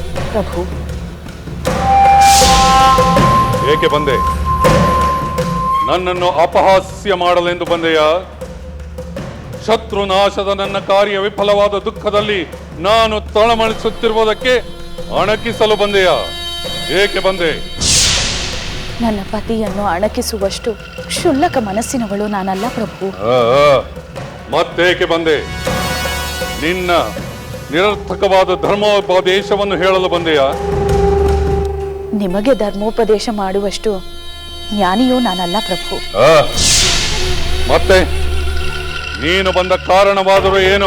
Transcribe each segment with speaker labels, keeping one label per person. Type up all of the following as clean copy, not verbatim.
Speaker 1: ಪ್ರಭು.
Speaker 2: ಏಕೆ ಬಂದೆ? ನನ್ನನ್ನು ಅಪಹಾಸ್ಯ ಮಾಡಲೆಂದು ಬಂದೆಯ? ಶತ್ರುನಾಶದ ನನ್ನ ಕಾರ್ಯ ವಿಫಲವಾದ ದುಃಖದಲ್ಲಿ ನಾನು ತಳಮಳಿಸುತ್ತಿರುವುದಕ್ಕೆ ಅಣಕಿಸಲು ಬಂದೆಯ? ಏಕೆ ಬಂದೆ?
Speaker 1: ನನ್ನ ಪತಿಯನ್ನು ಅಣಕಿಸುವಷ್ಟು ಕ್ಷುಲ್ಲಕ ಮನಸ್ಸಿನವಳು ನಾನಲ್ಲ ಪ್ರಭು.
Speaker 2: ಮತ್ತೇಕೆ ಬಂದೆ? ನಿನ್ನ ನಿರರ್ಥಕವಾದ ಧರ್ಮೋಪದೇಶವನ್ನು ಹೇಳಲು ಬಂದೆಯ?
Speaker 1: ನಿಮಗೆ ಧರ್ಮೋಪದೇಶ ಮಾಡುವಷ್ಟು ಜ್ಞಾನಿಯೂ ನಾನಲ್ಲ ಪ್ರಭು.
Speaker 2: ಮತ್ತೆ ನೀನು ಬಂದ ಕಾರಣವಾದರೂ ಏನು?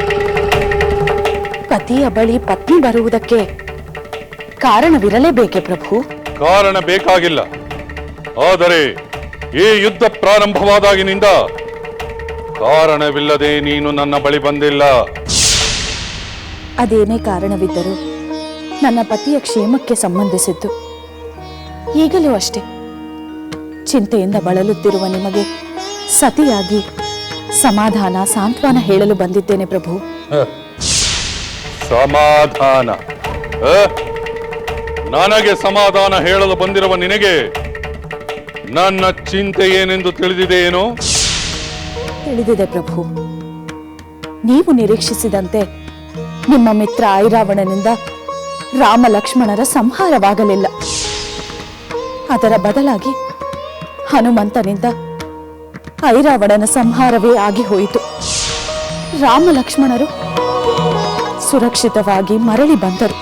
Speaker 1: ಪತಿಯ ಬಳಿ ಪತ್ನಿ ಬರುವುದಕ್ಕೆ ಕಾರಣವಿರಲೇಬೇಕೆ ಪ್ರಭು?
Speaker 2: ಕಾರಣ ಬೇಕಾಗಿಲ್ಲ. ಆದರೆ ಈ ಯುದ್ಧ ಪ್ರಾರಂಭವಾದಾಗಿನಿಂದ ಕಾರಣವಿಲ್ಲದೆ ನೀನು ನನ್ನ ಬಳಿ ಬಂದಿಲ್ಲ.
Speaker 1: ಅದೇನೇ ಕಾರಣವಿದ್ದರೂ ನನ್ನ ಪತಿಯ ಕ್ಷೇಮಕ್ಕೆ ಸಂಬಂಧಿಸಿದ್ದು. ಈಗಲೂ ಅಷ್ಟೇ, ಚಿಂತೆಯಿಂದ ಬಳಲುತ್ತಿರುವ ನಿಮಗೆ ಸತಿಯಾಗಿ ಸಮಾಧಾನ ಸಾಂತ್ವನ ಹೇಳಲು ಬಂದಿದ್ದೇನೆ ಪ್ರಭು.
Speaker 2: ಸಮಾಧಾನ? ನನಗೆ ಸಮಾಧಾನ ಹೇಳಲು ಬಂದಿರುವ ನಿನಗೆ ನನ್ನ ಚಿಂತೆ ಏನೆಂದು ತಿಳಿದಿದೆಯೇನು?
Speaker 1: ತಿಳಿದಿದೆ ಪ್ರಭು. ನೀವು ನಿರೀಕ್ಷಿಸಿದಂತೆ ನಿಮ್ಮ ಮಿತ್ರ ಐರಾವಣನಿಂದ ರಾಮ ಲಕ್ಷ್ಮಣರ ಸಂಹಾರವಾಗಲಿಲ್ಲ. ಅದರ ಬದಲಾಗಿ ಹನುಮಂತನಿಂದ ಐರಾವಣನ ಸಂಹಾರವೇ ಆಗಿ ಹೋಯಿತು. ರಾಮ ಲಕ್ಷ್ಮಣರು ಸುರಕ್ಷಿತವಾಗಿ ಮರಳಿ ಬಂದರು.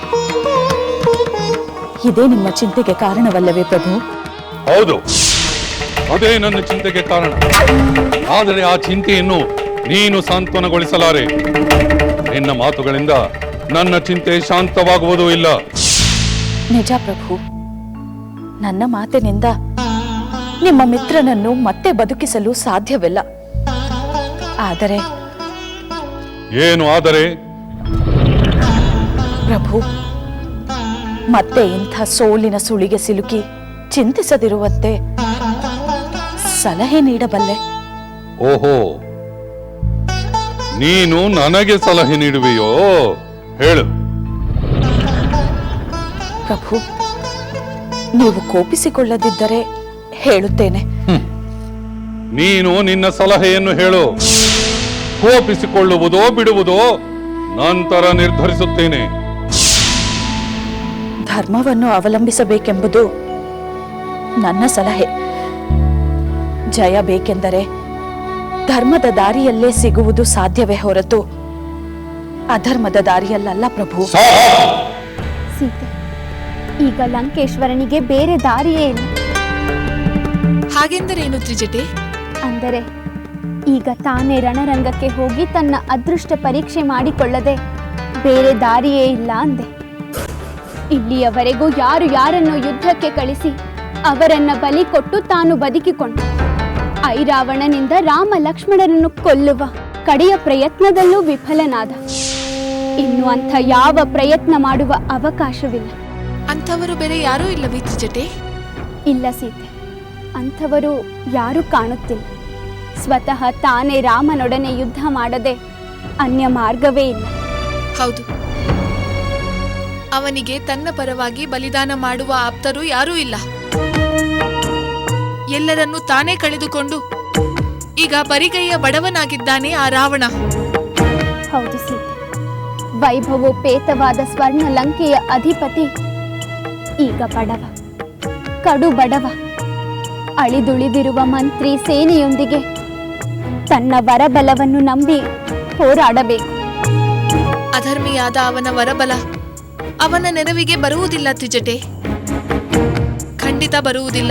Speaker 1: ಇದೇ ನಿಮ್ಮ ಚಿಂತೆಗೆ ಕಾರಣವಲ್ಲವೇ ಪ್ರಭು?
Speaker 2: ಹೌದು, ಅದೇ ನನ್ನ ಚಿಂತೆಗೆ ಕಾರಣ. ಆದರೆ ಆ ಚಿಂತೆಯನ್ನು ನೀನು ಸಾಂತ್ವನಗೊಳಿಸಲಾರೆ. ನಿನ್ನ ಮಾತುಗಳಿಂದ ನನ್ನ ಚಿಂತೆ ಶಾಂತವಾಗುವುದೂ ಇಲ್ಲ.
Speaker 1: ನಿಜ ಪ್ರಭು, ನನ್ನ ಮಾತಿನಿಂದ ನಿಮ್ಮ ಮಿತ್ರನನ್ನು ಮತ್ತೆ ಬದುಕಿಸಲು ಸಾಧ್ಯವಿಲ್ಲ. ಆದರೆ
Speaker 2: ಏನು ಆದರೆ?
Speaker 1: ಪ್ರಭು, ಮತ್ತೆ ಇಂಥ ಸೋಲಿನ ಸುಳಿಗೆ ಸಿಲುಕಿ ಚಿಂತಿಸದಿರುವಂತೆ ಸಲಹೆ ನೀಡಬಲ್ಲೆ.
Speaker 2: ಓಹೋ, ನೀನು ನನಗೆ ಸಲಹೆ ನೀಡುವೆಯೋ? ಹೇಳು.
Speaker 1: ಪ್ರಭು, ನೀವು ಕೋಪಿಸಿಕೊಳ್ಳದಿದ್ದರೆ ಹೇಳುತ್ತೇನೆ.
Speaker 2: ನೀನು ನಿನ್ನ ಸಲಹೆಯನ್ನು ಹೇಳು. ಕೋಪಿಸಿಕೊಳ್ಳುವುದೋ ಬಿಡುವುದೋ ನಂತರ ನಿರ್ಧರಿಸುತ್ತೇನೆ.
Speaker 1: ಧರ್ಮವನ್ನು ಅವಲಂಬಿಸಬೇಕೆಂಬುದು ನನ್ನ ಸಲಹೆ. ಜಯ ಬೇಕೆಂದರೆ ಧರ್ಮದ ದಾರಿಯಲ್ಲೇ ಸಿಗುವುದು ಸಾಧ್ಯವೇ ಹೊರತು ಅಧರ್ಮದ ದಾರಿಯಲ್ಲ ಪ್ರಭು.
Speaker 3: ಸೀತೆ, ಈಗ ಲಂಕೇಶ್ವರನಿಗೆ ಬೇರೆ ದಾರಿಯೇ ಇಲ್ಲ.
Speaker 4: ಹಾಗೆಂದರೇನು ತ್ರಿಜಟೆ?
Speaker 3: ಅಂದರೆ ಈಗ ತಾನೇ ರಣರಂಗಕ್ಕೆ ಹೋಗಿ ತನ್ನ ಅದೃಷ್ಟ ಪರೀಕ್ಷೆ ಮಾಡಿಕೊಳ್ಳದೆ ಬೇರೆ ದಾರಿಯೇ ಇಲ್ಲ ಅಂದೆ. ಇಲ್ಲಿಯವರೆಗೂ ಯಾರು ಯಾರನ್ನು ಯುದ್ಧಕ್ಕೆ ಕಳಿಸಿ ಅವರನ್ನ ಬಲಿ ಕೊಟ್ಟು ತಾನು ಬದುಕಿಕೊಂಡ. ಐರಾವಣನಿಂದ ರಾಮ ಲಕ್ಷ್ಮಣರನ್ನು ಕೊಲ್ಲುವ ಕಡೆಯ ಪ್ರಯತ್ನದಲ್ಲೂ ವಿಫಲನಾದ. ಇನ್ನು ಅಂಥ ಯಾವ ಪ್ರಯತ್ನ ಮಾಡುವ ಅವಕಾಶವಿಲ್ಲ.
Speaker 4: ಅಂಥವರು ಬೇರೆ ಯಾರೂ ಇಲ್ಲವೇ ತ್ರಿಜಟೆ?
Speaker 3: ಇಲ್ಲ ಸೀತೆ, ಅಂಥವರು ಯಾರೂ ಕಾಣುತ್ತಿಲ್ಲ. ಸ್ವತಃ ತಾನೇ ರಾಮನೊಡನೆ ಯುದ್ಧ ಮಾಡದೆ ಅನ್ಯ ಮಾರ್ಗವೇ ಇಲ್ಲ.
Speaker 4: ಹೌದು, ಅವನಿಗೆ ತನ್ನ ಪರವಾಗಿ ಬಲಿದಾನ ಮಾಡುವ ಆಪ್ತರು ಯಾರೂ ಇಲ್ಲ. ಎಲ್ಲರನ್ನೂ ತಾನೇ ಕಳೆದುಕೊಂಡು ಈಗ ಬರಿಗೈಯ ಬಡವನಾಗಿದ್ದಾನೆ ಆ ರಾವಣ.
Speaker 3: ಹೌದು ಸೀತೆ, ವೈಭವೋಪೇತವಾದ ಸ್ವರ್ಣ ಲಂಕೆಯ ಅಧಿಪತಿ ಈಗ ಬಡವ, ಕಡು ಬಡವ. ಅಳಿದುಳಿದಿರುವ ಮಂತ್ರಿ ಸೇನೆಯೊಂದಿಗೆ ತನ್ನ ವರಬಲವನ್ನು ನಂಬಿ ಹೋರಾಡಬೇಕು.
Speaker 4: ಅಧರ್ಮಿಯಾದ ಅವನ ವರಬಲ ಅವನ ನೆರವಿಗೆ ಬರುವುದಿಲ್ಲ ತ್ರಿಜಟೆ, ಖಂಡಿತ ಬರುವುದಿಲ್ಲ.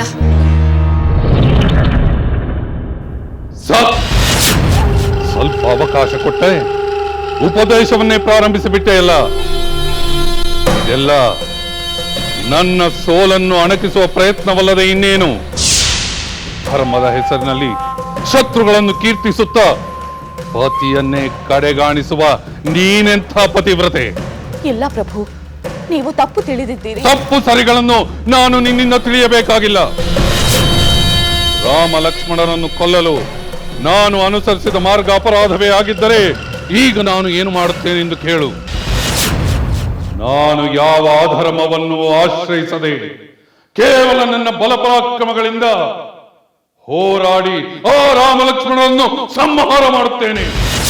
Speaker 2: ಸ್ವಲ್ಪ ಅವಕಾಶ ಕೊಟ್ಟೆ ಉಪದೇಶವನ್ನೇ ಪ್ರಾರಂಭಿಸಿಬಿಟ್ಟೆಯಲ್ಲ. ಇದೆಲ್ಲ ನನ್ನ ಸೋಲನ್ನು ಅಣಕಿಸುವ ಪ್ರಯತ್ನವಲ್ಲದೆ ಇನ್ನೇನು? ಧರ್ಮದ ಹೆಸರಿನಲ್ಲಿ ಶತ್ರುಗಳನ್ನು ಕೀರ್ತಿಸುತ್ತಾ ಪತಿಯನ್ನೇ ಕಡೆಗಾಣಿಸುವ ನೀನೆಂಥ ಪತಿವ್ರತೆ?
Speaker 1: ಇಲ್ಲ ಪ್ರಭು, ನೀವು ತಪ್ಪು ತಿಳಿದಿದ್ದೀರಿ.
Speaker 2: ತಪ್ಪು ಸರಿಗಳನ್ನು ನಾನು ನಿನ್ನಿಂದ ತಿಳಿಯಬೇಕಾಗಿಲ್ಲ. ರಾಮ ಲಕ್ಷ್ಮಣರನ್ನು ಕೊಲ್ಲಲು ನಾನು ಅನುಸರಿಸಿದ ಮಾರ್ಗ ಅಪರಾಧವೇ ಆಗಿದ್ದರೆ ಈಗ ನಾನು ಏನು ಮಾಡುತ್ತೇನೆಂದು ಕೇಳು. ನಾನು ಯಾವ ಅಧರ್ಮವನ್ನು ಆಶ್ರಯಿಸದೆ ಕೇವಲ ನನ್ನ ಬಲಪರಾಕ್ರಮಗಳಿಂದ ಹೋರಾಡಿ ಆ ರಾಮ ಲಕ್ಷ್ಮಣರನ್ನು ಸಂಹಾರ ಮಾಡುತ್ತೇನೆ.